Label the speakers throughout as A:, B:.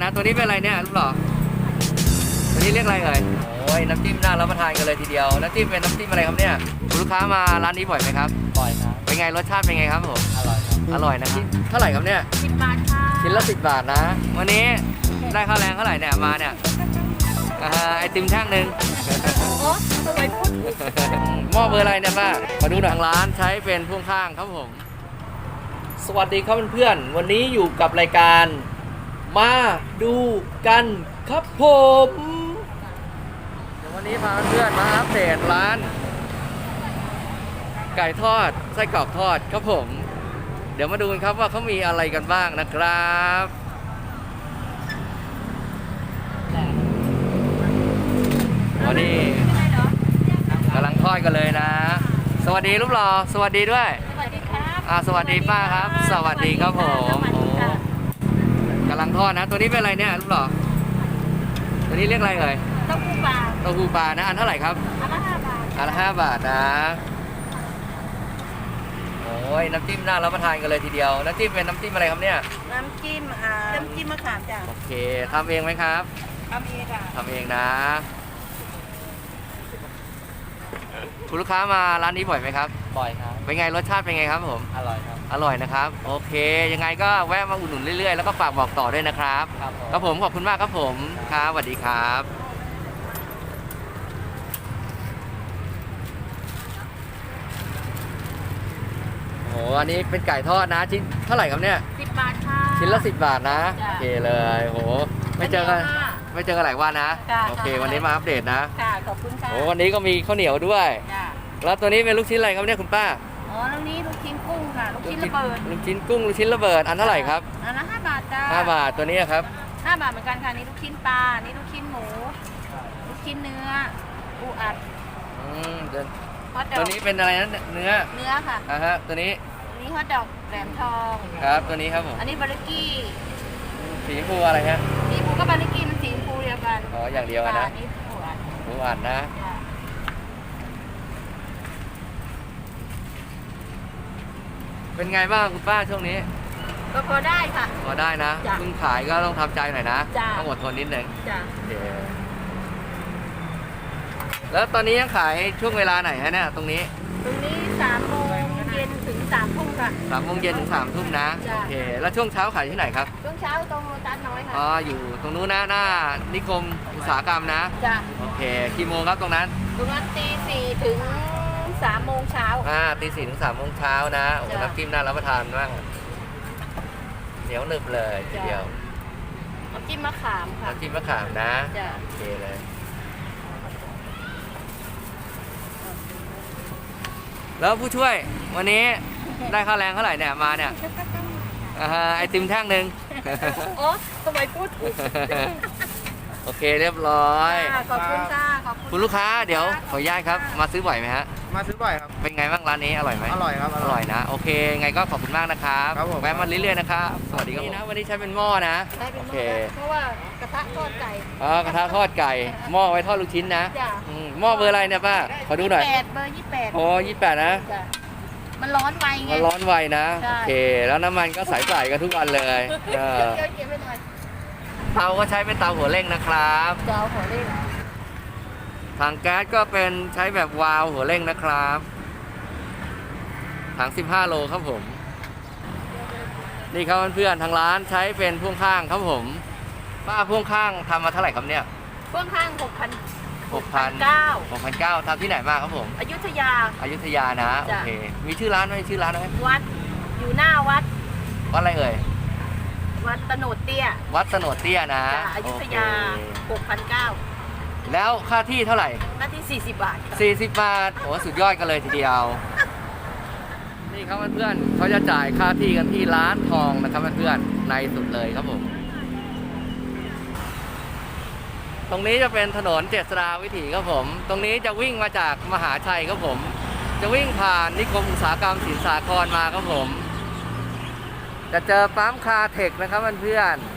A: นะตัวนี้เป็นอะไรเนี่ยลูกหล่อตัวนี้เรียกอะไรเอ่ยโอ้ยน้ำจิ้มน่ารับประทานกันเลยทีเดียวน้ำจิ้มเป็นน้ำจิ้มอะไรครับเนี่ยคุณลูกค้ามาร้านนี้บ่อยไหมครับ
B: บ่อยครับ
A: เป็นไงรสชาติเป็นไงครับผม
B: อร่อยครับ
A: อร่อยนะครับเท่าไหร่ครับเนี่ย
C: 10 บาทค่ะ
A: ชิ้นละ10 บาทนะวันนี้ได้ค่าแรงเท่าไหร่เนี่ยมาเนี่ยไอติมแท่งหนึ่ง
C: โอ้สวยพุทธ
A: หม้อเบอร์อะไรเนี่ยป้ามาดูหนังร้านใช้เป็นพ่วงข้างครับผมสวัสดีครับเพื่อนๆวันนี้อยู่กับรายการมาดูกันครับผมเดี๋ยววันนี้พาเพื่อนๆมาอัปเดตร้านไก่ทอดไส้กรอกทอดครับผมเดี๋ยวมาดูกันครับว่าเขามีอะไรกันบ้างนะครับวันนี้กำลังทอดกันเลยนะสวัสดีรูปหล่อสวัสดีด้วย
C: สวัสดีครับ
A: สวัสดีป้าครับสวัสดีครับผมโอ้กำลังทอดนะตัวนี้เป็นอะไรเนี่ยรูปหล่อตัวนี้เรียกอะไรเอ่ย
C: เต้าหู้ปลา
A: เต้าหู้ปลานะอันเท่าไหร่ครับ
C: อันละ5 บาท
A: อันละ5 บาทนะโอ้ยน้ำจิ้มน่ารับประทานกันเลยทีเดียวน้ำจิ้มเป็นน้ำจิ้มอะไรครับเนี่ย
C: น้ำจิ้มมะขามจ้ะ
A: โอเคทำเองไหมครับ
C: ทำเองค่ะ
A: ทำเองนะคุณลูกค้ามาร้านนี้บ่อยไหมครับ
B: บ่อยครับ
A: เป็นไงรสชาติเป็นไงครับผม
B: อร่อยครับ
A: อร่อยนะครับโอเคยังไงก็แวะมาอุดหนุนเรื่อยๆแล้วก็ฝากบอกต่อด้วยนะครับครับผมขอบคุณมากครับผมครับสวัสดีครับโอ้อันนี้เป็นไก่ทอดนะชิ้นเท่าไหร่ครับเนี่ย
C: 10 บาทค่ะ
A: ชิ้นละ10 บาทนะโอเคเลยโหไม่เจอกันหลายวันนะโอเควันนี้มาอัปเดตนะ
C: ค่ะขอบคุณค่ะ
A: โอ้วันนี้ก็มีข้าวเหนียวด้วย
C: จ้ะ
A: แล้วตัวนี้เป็นลูกชิ้นอะไรครับเนี่ยคุณป้า
C: อ๋อแล้วนี้ลูกชิ้นกุ้งค่ะลูกชิ้นระเบิด
A: ลูกชิ้นกุ้งลูกชิ้นระเบิดอันเท่าไหร่ครับ
C: อันละ5 บาทจ้า
A: 5 บาทตัวนี้ครับ
C: 5 บาทเหมือนกันค่ะนี่ลูกชิ้นปลานี่ลูกชิ้นหมูลูกชิ้นเนื้อปูอัด
A: ตัวนี้เป็นอะไรนะเนื้อ
C: ค่ะ
A: ฮะตัวนี้
C: นี่ฮอทดอกแหลมทอง
A: ครับตัวนี้ครับผม
C: อันนี้บาร์กี้
A: สีชมพูอะไรฮะ
C: สีชมพูก็บาร์กี้มันสีชมพูเดียวกัน
A: อ๋ออย่างเดียวกันนะ
C: นี่
A: ปูอัดนะเป็นไงบ้างคุณป้าช่วงนี้
C: ก็พอได้ค่ะ
A: พอได้นะเพิ่งขายก็ต้องทำใจหน่อยนะต้องอดทนนิดนึง
C: จ้ะ
A: แล้วตอนนี้ยังขายช่วงเวลาไหนฮะเนี่ยตรงนี้
C: 3 โมงเย็นถึง3 ทุ่มค่ะ
A: 3 โมงเย็นถึง3 ทุ่มนะโอเคแล้วช่วงเช้าขายที่ไหนครับ
C: ช่วงเช้าตรงโลตัสน้อยค่ะ
A: อ๋ออยู่ตรงนู้นนะหน้านิคมอุตสาหกรรมนะ
C: จ้ะ
A: โอเคกี่โมงครับตรงนั้น
C: ตี 4 ถึง3 โมงเช้า
A: ตี 4 ถึง 3 โมงเช้านะโอ้น้ำจิ้มน่ารับประทานมากเหนียวหนึบเลยทีเดียว
C: น้ำจิ้มมะขามค่ะ
A: น้ำจิ้มมะขามนะโอเคเลยแล้วผู้ช่วยวันนี้ได้ค่าแรงเท่าไหร่เนี่ยมาเนี่ยไอติมแท่งหนึ่ง
C: โอ้สมัยพูด
A: โอเคเรียบร้อย
C: ขอบคุณค่ะ
A: คุณลูกค้าเดี๋ยวขออนุญาตครับมาซื้อบ่อยไหมฮะ
B: มาซื้อบ่อยครับ
A: เป็นไงบ้างร้านนี้อร่อยไหม
B: อร่อยครับ
A: อร่อยนะโอเคไงก็ขอบคุณมากนะครับแวะมาเรื่อยๆนะครับสวัสดีครับนะวันนี้ใช้เป็นหม้อนะ
C: โอเคเพราะว่ากระทะทอดไก่
A: กระทะทอดไก่หม้อไว้ทอดลูกชิ้นนะหม้อเบอร์อะไรเนี่ยป้าขอดูหน่อย
C: เบอร์28
A: โอ้28นะ
C: มันร้อนไวไง
A: มันร้อนไวนะโอเคแล้วน้ำมันก็ใส่กันทุกวันเลยเตาก็ใช้เป็นเตาหัวเร่งนะครับ
C: เตาหัวเร่ง
A: ถังแก๊สก็เป็นใช้แบบวาล์วหัวเร่งนะครับถัง15 โลครับผมนี่ครับเพื่อนๆทางร้านใช้เป็นพ่วงข้างครับผมป้าพ่วงข้างทำมาเท่าไหร่ครับเนี่ย
C: พ่วงข้าง
A: 6,900ทำที่ไหนมาครับผม
C: อยุธยา
A: นะโอเคมีชื่อร้านไหม
C: วัดอยู่หน้าวัด
A: อะไรเอ่ย
C: วัดตโนดเตี้ย
A: นะ
C: อยุธยา6,900
A: แล้วค่าที่เท่าไหร่
C: ค่าที่40 บาท
A: 40 บาทโอ้สุดยอดกันเลยทีเดียวนี่ครับเพื่อนๆเขาจะจ่ายค่าที่กันที่ร้านทองนะครับเพื่อนๆในสุดเลยครับผมตรงนี้จะเป็นถนนเจษฎาวิถีครับผมตรงนี้จะวิ่งมาจากมหาชัยครับผมจะวิ่งผ่านนิคมอุตสาหกรรมสินสาครมาครับผมจะเจอปั๊มคาเทคนะครับเพื่อน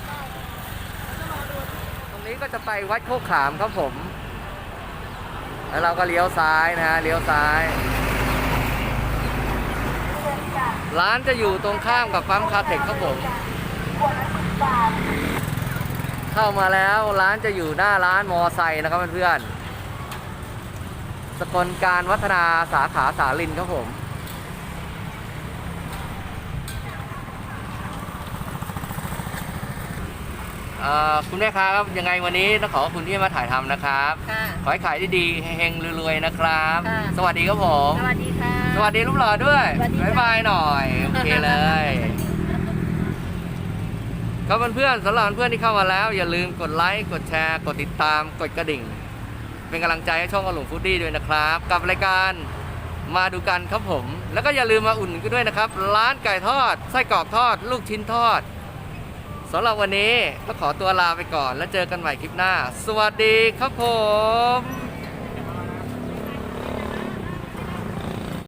A: ๆตรงนี้ก็จะไปวัดโคกขามครับผมแล้วเราก็เลี้ยวซ้ายนะฮะเลี้ยวซ้ายร้านจะอยู่ตรงข้ามกับปั๊มคาเทคครับผมเข้ามาแล้วร้านจะอยู่หน้าร้านมอไซค์นะครับเพื่อนๆสกลการวัฒนาสาขาสาลินครับผมคุณแม่ค้าครับยังไงวันนี้ต้องขอบคุณที่มาถ่ายทำนะครับ
C: ค่ะ
A: ขอให้ขายดีๆเฮงๆรวยๆนะครับ
C: ค่ะ
A: สวัสดีครับผม
C: สวัสดีค่ะ
A: สวัสดีลูกหล่อด้วย
C: สวัสดีจ้ะ
A: บ๊ายบายหน่อยโอเคเลยครับเพื่อนๆสำหรับเพื่อนที่เข้ามาแล้วอย่าลืมกดไลค์กดแชร์กดติดตามกดกระดิ่ง เป็นกำลังใจให้ช่องอลุงฟูดดี้ด้วยนะครับ กับรายการมาดูกันครับผม แล้วก็อย่าลืมมาอุ่นกันด้วยนะครับ ร้านไก่ทอดไส้กรอกทอด ลูกชิ้นทอดสำหรับวันนี้ก็ขอตัวลาไปก่อนแล้วเจอกันใหม่คลิปหน้า สวัสดีครับผม